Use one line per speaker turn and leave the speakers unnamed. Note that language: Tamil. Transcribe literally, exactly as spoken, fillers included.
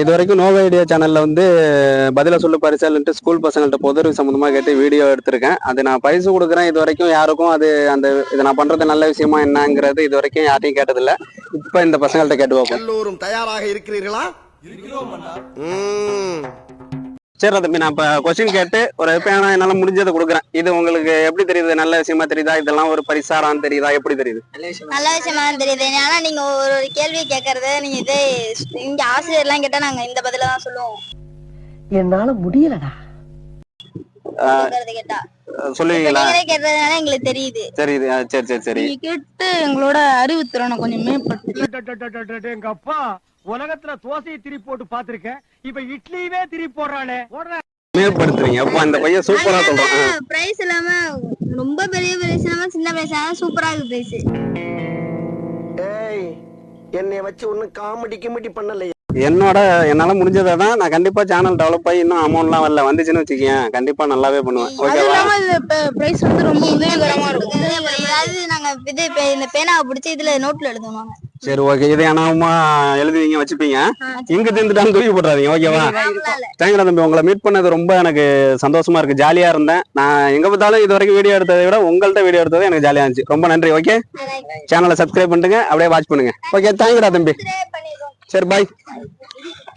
இது வரைக்கும் நோவ ஐடியா சேனல்ல வந்து பதில சொல்லு பரிசல்ன்ட்டு ஸ்கூல் பசங்கள்ட்ட பொது சம்பந்தமா கேட்டு வீடியோ எடுத்திருக்கேன். அது நான் பரிசு கொடுக்குறேன். இது வரைக்கும் யாருக்கும் அது அந்த இதை நான் பண்றது நல்ல விஷயமா என்னங்கிறது இது வரைக்கும் யாரையும் கேட்டதில்ல. இப்ப இந்த பசங்கள்ட்ட கேட்டு பார்ப்போம்.
எல்லோரும் தயாராக இருக்கிறீர்களா?
சரி தம்பி, நான் இப்ப கொஸ்டின் கேட்டு ஒரு எப்பயான என்னால முடிஞ்சதை கொடுக்குறேன். இது உங்களுக்கு எப்படி தெரியுது? நல்ல விஷயமா தெரியுதா? இதெல்லாம் ஒரு பரிசாரான்னு தெரியுதா? எப்படி தெரியுது?
நல்ல விஷயமா தெரியுது. ஆனா நீங்க ஒரு கேள்வி கேட்கறது நீங்க இதே இங்க ஆசிரியர் எல்லாம் கேட்டா நாங்க இந்த பதில தான் சொல்லுவோம்.
என்னால முடியலடா.
கேட்டா
சொல்லுவீங்களா?
கேட்டதுனால எங்களுக்கு தெரியுது.
தெரியுது. சரி சரி சரி.
கேட்டு எங்களோட அறிவு திறனை கொஞ்சம் மேம்படுத்து.
எங்க அப்பா உலகத்துல தோசையை திரி போட்டு பாத்திருக்கேன். இப்ப இட்லியவே திரி போடுறானே.
மேம்படுத்துறீங்க. அப்ப அந்த பையன் சூப்பரா சொல்றான்.
பிரைஸ் இல்லாம ரொம்ப பெரிய பிரைஸ் இல்லாம சின்ன பிரைஸ் சூப்பரா இருக்கு பிரைஸ்.
ஏய், என்னை வச்சு ஒன்னும் காமெடி கிமெடி பண்ணலையே.
என்னோட என்னால முடிஞ்சதை தான் நான் கண்டிப்பா சேனல் டெவலப் ஆகி இன்னும் அமௌண்ட்லாம் வரல வந்துச்சுன்னு வச்சுக்கேன், கண்டிப்பா நல்லாவே பண்ணுவேன். ஓகேவா?
பிரைஸ் வந்து ரொம்ப உதவிகரமா இருக்கும். அதாவது நாங்க இது இந்த பேனாவை பிடிச்சி இதுல நோட்ல எழுதுவாங்க.
சரி ஓகே. இதை அனாவமா எழுதுவீங்க வச்சுப்பீங்க. இங்க திந்துட்டான்னு தூக்கி போட்டுறாதீங்க. ஓகேவா? தேங்க்யூ தம்பி, உங்களை மீட் பண்ணது ரொம்ப எனக்கு சந்தோஷமா இருக்கு. ஜாலியா இருந்தேன். நான் எங்க பார்த்தாலும் இது வரைக்கும் வீடியோ எடுத்ததை விட உங்கள்ட்ட வீடியோ எடுத்தது எனக்கு ஜாலியா இருந்துச்சு. ரொம்ப நன்றி. ஓகே, சேனலை சப்ஸ்கிரைப் பண்ணுங்க, அப்படியே வாட்ச் பண்ணுங்க. ஓகே, தேங்க்யூடா தம்பி. சரி பாய்.